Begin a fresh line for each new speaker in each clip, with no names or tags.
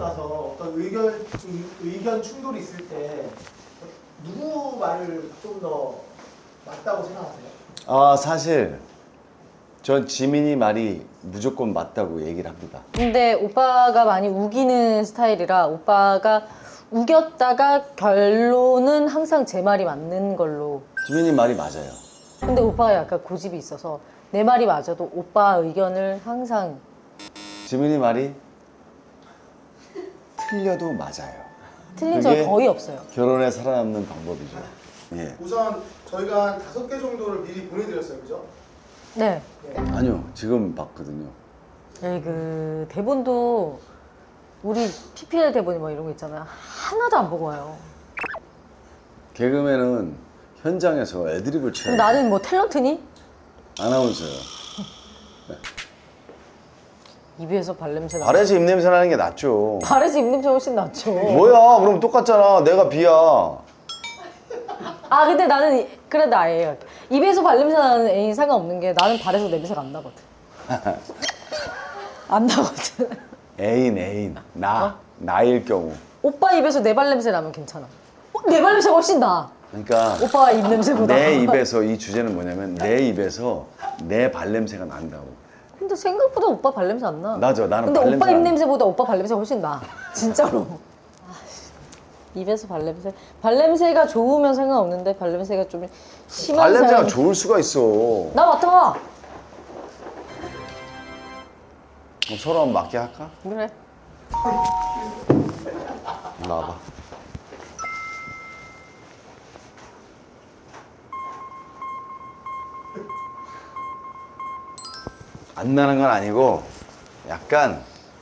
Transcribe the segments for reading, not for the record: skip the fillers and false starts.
나서 어떤 의견 충돌이 있을 때 누구 말을 좀 더 맞다고 생각하세요?
아, 사실 전 지민이 말이 무조건 맞다고 얘기를 합니다.
근데 오빠가 많이 우기는 스타일이라 오빠가 우겼다가 결론은 항상 제 말이 맞는 걸로.
지민이 말이 맞아요.
근데 오빠가 약간 고집이 있어서 내 말이 맞아도 오빠 의견을 항상.
지민이 말이 틀려도 맞아요.
틀린 적이 거의 없어요.
결혼에 살아남는 방법이죠. 예.
우선 저희가 한 5개 정도를 미리 보내드렸어요, 그죠?
네.
아니요, 지금 봤거든요.
네, 그 대본도 우리 PPL 대본이 뭐 이런 거 있잖아요. 하나도 안 보고 와요.
개그맨은 현장에서 애드립을 쳐요.
그럼 나는 뭐 탤런트니?
아나운서요.
입에서 발냄새 나.
발에서 입냄새 나는 게 낫죠.
발에서 입냄새 훨씬 낫죠.
뭐야? 그럼 똑같잖아. 내가 B야.
아 근데 나는 그래 나 A야. 입에서 발냄새 나는 A는 상관없는 게 나는 발에서 냄새가 안 나거든. 안 나거든.
애인. 나일 경우.
오빠 입에서 내 발냄새 나면 괜찮아. 내 발냄새가 훨씬 나.
그러니까
오빠 입 냄새보다.
내 입에서 이 주제는 뭐냐면 내 입에서 내 발냄새가 난다고.
근데 생각보다 오빠 발냄새 안 나.
나죠. 나는
근데
발냄새
오빠 입
안 나.
냄새보다 오빠 발냄새가 훨씬 나. 진짜로. 입에서 발냄새. 발냄새가 좋으면 상관없는데 발냄새가 좀 심한
발냄새가
사람.
좋을 수가 있어.
나 맡아봐.
그럼 서로 한번 맞게 할까?
그래.
일로 와봐. 안 나는 건 아니고 약간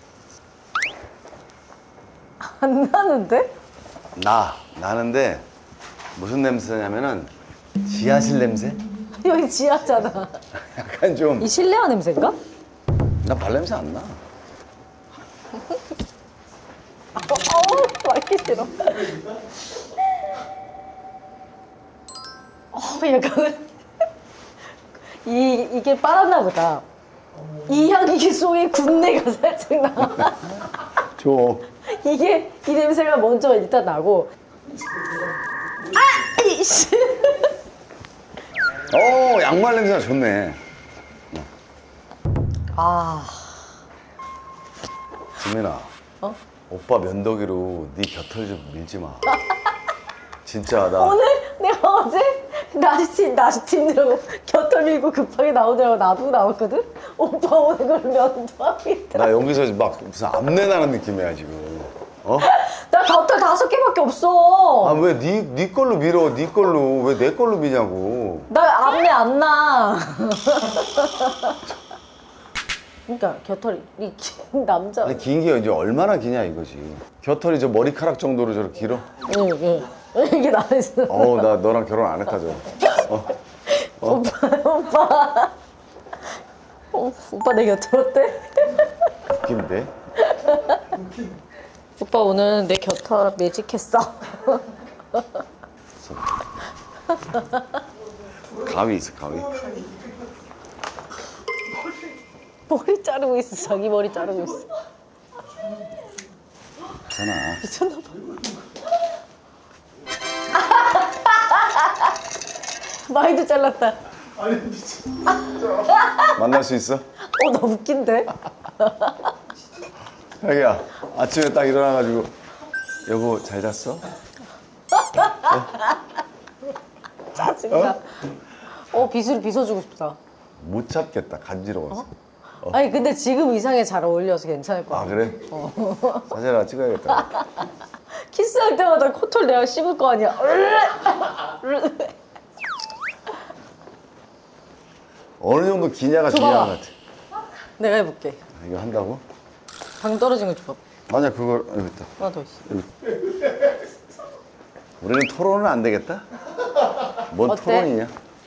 안 나는데?
나는데 무슨 냄새냐면은 지하실 냄새?
여기 지하잖아.
약간 좀
이 실내화 냄새인가?
나 발냄새 안 나.
말기 싫어. 약간 이게 빨았나 보다. 이 향기 속에 군내가 살짝 나.
줘.
이게 이 냄새가 먼저 일단 나고. 아, 이씨.
양말 냄새가 좋네.
아,
지민아.
어?
오빠 면도기로 네 곁을 좀 밀지 마. 진짜 나
오늘 내가 어제 나시티 힘들고 곁을 밀고 급하게 나오더라고. 나도 나왔거든. 오빠 오늘 그걸 면도하고 있더라.
나 여기서 막 무슨 암내 나는 느낌이야 지금. 어?
나 곁을 5개밖에 없어.
아 왜 네 걸로 밀어? 네 걸로 왜 내 걸로 미냐고.
나 앞내 안 나. 그러니까 곁털이 긴 남자.
아니 긴 게 이제 얼마나 기냐 이거지. 겨털이 저 머리카락 정도로 저렇게 길어?
응. 이게 나였어.
나 너랑 결혼 안 했다죠.
오빠 내 곁털 어때?
웃긴데?
오빠 오늘 내 곁털 매직했어.
가위 있어 가위.
머리 자르고 있어. 자기 머리 자르고 있어.
괜찮아.
미쳤나 봐. 많이도 잘랐다.
아니 미친.
만날 수 있어?
나 웃긴데?
자기야 아침에 딱 일어나가지고 여보 잘 잤어?
짜증나. 빗어주고 싶다.
못 찾겠다 간지러워서.
아니 근데 지금 의상에 잘 어울려서 괜찮을 것
아
같아.
그래? 사진 하나 찍어야겠다.
키스할 때마다 코털 내가 씹을 거 아니야.
어느 정도 기냐가
줘봐.
중요한 것 같아.
내가 해볼게.
이거 한다고?
방 떨어진 거 줘봐.
아니야 그걸 여기 있다.
하나 더 있어.
우리는 토론은 안 되겠다? 뭔
어때?
토론이냐?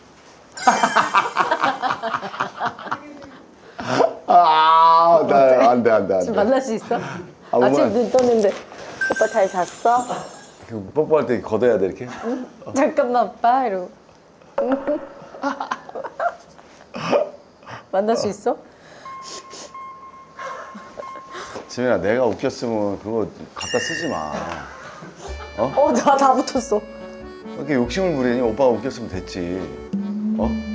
나 안 돼.
지금 만날 수 있어?
아무거나.
아침 눈 떴는데 오빠 잘 잤어?
그 뽀뽀할 때 걷어야 돼 이렇게?
잠깐만 오빠 이러고 만날 수 있어?
지민아 내가 웃겼으면 그거 갖다 쓰지 마.
나 다 붙었어.
왜 이렇게 욕심을 부리니? 오빠가 웃겼으면 됐지. 어?